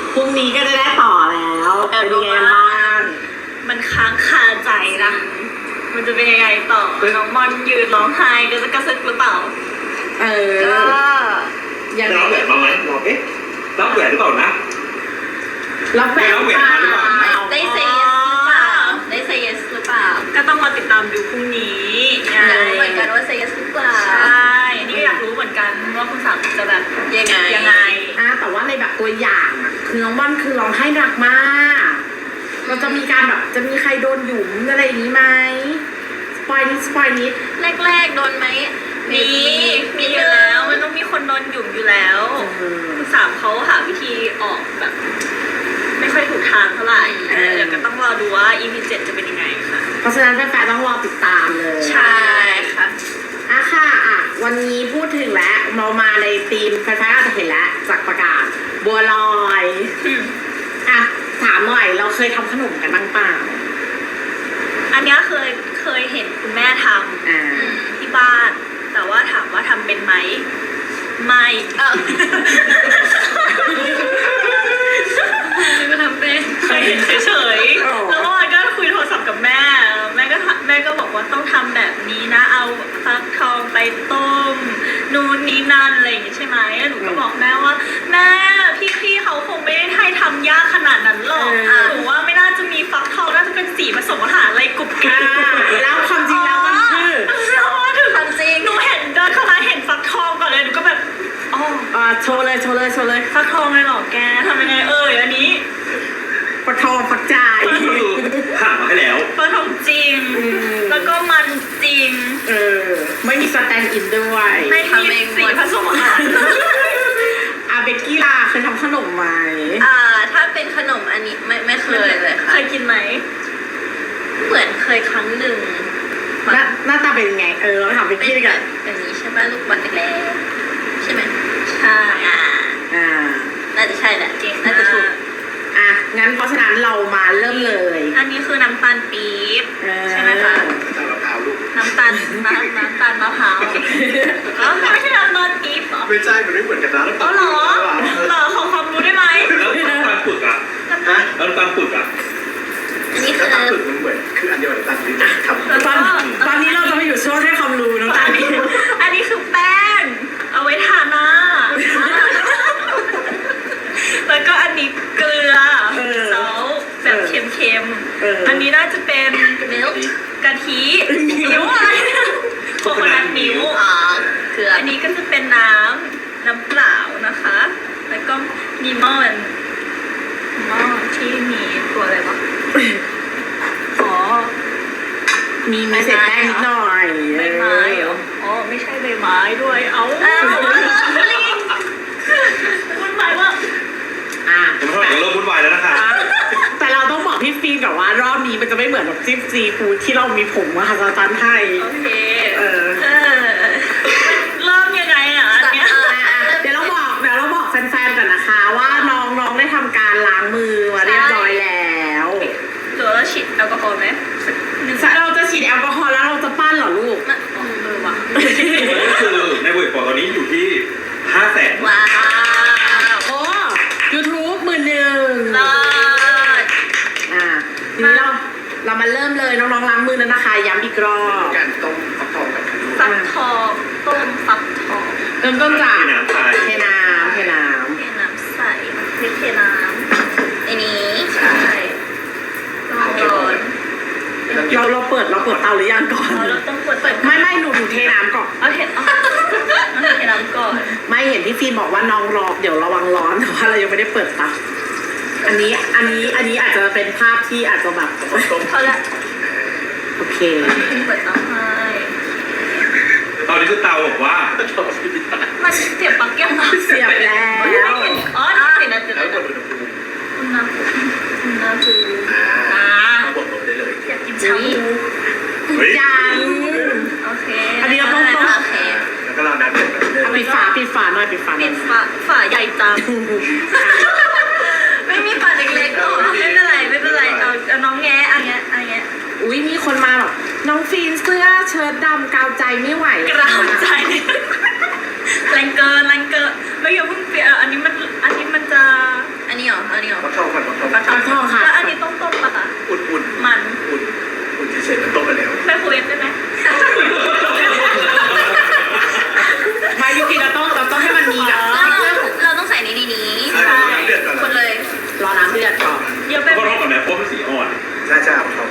พรุ่งนี้ก็จะได้ต่อแล้วเป็นยังไงบ้างมันค้างคาใจนะมันจะเป็นยังไงต่อน้องมอนยืนร้องไห้ก็จะกระซึกหรือเปล่าก็ยังได้ไงแหวนมาไหมบอกรับแหวนหรือเปล่านะรับแหวนหรือเปล่าได้เซย์หรือเปล่าได้เซย์หรือเปล่าก็ต้องมาติดตามดูพรุ่งนี้เหมือนกันว่าเซย์หรือเปล่าใช่นี่ก็อยากรู้เหมือนกันว่าคุณสาวจะแบบยังไงแต่ว่าในแบบตัวอย่างคือน้องม่อนคือร้องไห้หนักมากเราจะมีการแบบจะมีใครโดนหยุมอะไรอย่างนี้ไหมสปอยนิดแรกโดนไหมมีอยู่แล้วมันต้องมีคนโดนหยุมอยู่แล้วคุณสามเขาหาวิธีออกแบบไม่ค่อยถูกทางเท่าไหร่เดี๋ยวก็ต้องรอดูว่า EP 7จะเป็นยังไงค่ะเพราะฉะนั้นแฟนๆต้องรอติดตามเลยใช่ค่ะค่ะวันนี้พูดถึงแล้วมาในธีมแฟนๆอาจจะเห็นแล้วจากประกาศบัวลอยถามหน่อยเราเคยทำขนมกันบ้างเปล่าอันนี้เคยเห็นคุณแม่ทำที่บ้านแต่ว่าถามว่าทำเป็นไหมไม่ก็ทำเป็นเคยเห็นเฉยๆแล้ววันก็คุยโทรศัพท์กับแม่ก็บอกว่าต้องทำแบบนี้นะเอาฟักทองไปต้มนู่นนี่นั่นอะไรอย่างงี้ใช่ไหมหนูก็บอกแม่ว่าแม่พี่เขาคงไม่ได้ให้ทำยากขนาดนั้นหรอกหนูว่าไม่น่าจะมีฟักทองน่าจะเป็นสีผสมอาหารอะไรกรุบกริบแล้วความจริงแล้วมันคือความจริงหนูเห็นเดินเข้ามาเห็นฟักทองก่อนเลยหนูก็แบบโชว์เลยฟักทองเลยหรอแกทำยังไงอันนี้ฟักทองฟักจ่ายผ่านมาให้แล้วฟักทองจริงแล้วก็มันจริงไม่มีสแตนด์อินด้วยไม่มีสีผสมอาหารเบกกี้ล่ะเคยทำขนมไหมถ้าเป็นขนมอันนี้ไม่เคยเลยค่ะเคยกินไหมเหมือนเคยครั้งหนึ่งหน้าตาเป็นยังไงเราถามเบกกี้กันอันนี้ใช่ป่ะลูกบอลเล็กๆใช่ไหมใช่น่าจะใช่แหละจริงน่าจะถูกงั้นเพราะฉะนั้นเรามาเริ่มเลยอันนี้คือน้ำตาลปี๊บใช่ไหมคะน้ำตาลมะพร้าวไม่ใช่น้ำตาลปี๊บหรอไม่ใช่มันไม่เหมือนกันนะหรอขอความรู้ได้ไหมแล้วน้ำตาลปึกแล้วน้ำตาลปึกอันนี้คือน้ำตาลปึกมันเหมือนคืออันเดียวกับน้ำตาลปี๊บตอนนี้เราจะมาอยู่ช่วงให้ความรู้น้ำตาลปี๊บอันนี้คือแป้งเอาไว้ทาหน้าแล้วก็อันนี้เกลือซอสแบบเค็มๆอันนี้น่าจะเป็นกะทิมิ้วอะไรโคโคนัทมิ้วอันนี้ก็จะเป็นน้ำเปล่านะคะแล้วก็มีหม้อที่มีตัวอะไรวะมีเศษแป้งนิดหน่อยใบไม้เหรอไม่ใช่ใบไม้ด้วยวุ่นวายว่าผมเท่าไหร่ก็เริ่มวุ่นวายแล้วนะคะแต่เราต้องบอกพี่ฟีนก่อนว่ารอบนี้มันจะไม่เหมือนแบบจิ้มซีฟู้ดที่เรามีผงมหาศาลไทยโอเคเริ่มยังไงเดี๋ยวเราบอกแฟนๆก่อนนะคะว่าน้องได้ทำการล้างมือมาเรียบร้อยแล้วหรือเราฉีดแอลกอฮอล์ไหมเราจะฉีดแอลกอฮอล์แล้วเราจะปั้นเหรอลูกว่ะก็คือในบุ๋ยปอตอนนี้อยู่ที่500,000 ว้าว YouTube 11,000ทีนี้เรามาเริ่มเลยน้องๆล้างมือแล้วนะคะย้ำอีกรอบการต้มฟักทองกับฟักทองต้มฟักทองเริ่มต้นจากเทน้ำใส่เทน้ำอันนี้ใช่ร้อนเราเปิดเตาหรือยังก่อนเราต้องเปิดไม่หนูเทน้ำก่อนเทน้ำก่อนไม่เห็นพี่ฟีนบอกว่าน้องรอเดี๋ยวระวังร้อนแต่ว่าเรายังไม่ได้เปิดเตาอันนี้อาจจะเป็นภาพที่อาจจะแบบเขาละโอเคเปิดเตาให้ตอนนี้คือเตาบอกว่ามันเสียบปลั๊กยังเสียบแล้วติดแล้วอุณหภูมิบดลงได้เลยอยากกินชาบูยังโอเคอันนี้เราต้องแล้วก็เราดันปิดฝาหน่อยปิดฝาใหญ่จังไม่มีฝาเล็กๆหรอไม่เป็นไรเอาน้องแงะอันเงี้ยอุ้ยมีคนมาแบบน้องฟีนเสื้อเชิ้ตดำกาวใจไม่ไหวกาวใจแรงเกินไม่อย่าเพิ่งเปลี่ยนอันนี้มันจะอันนี้เหรออันนี้น้ำเดือดก่อนเยอะไปเพราะไหมรอบกับแม่เพราะมันสีอ่อนใช่ใช่ผมชอบ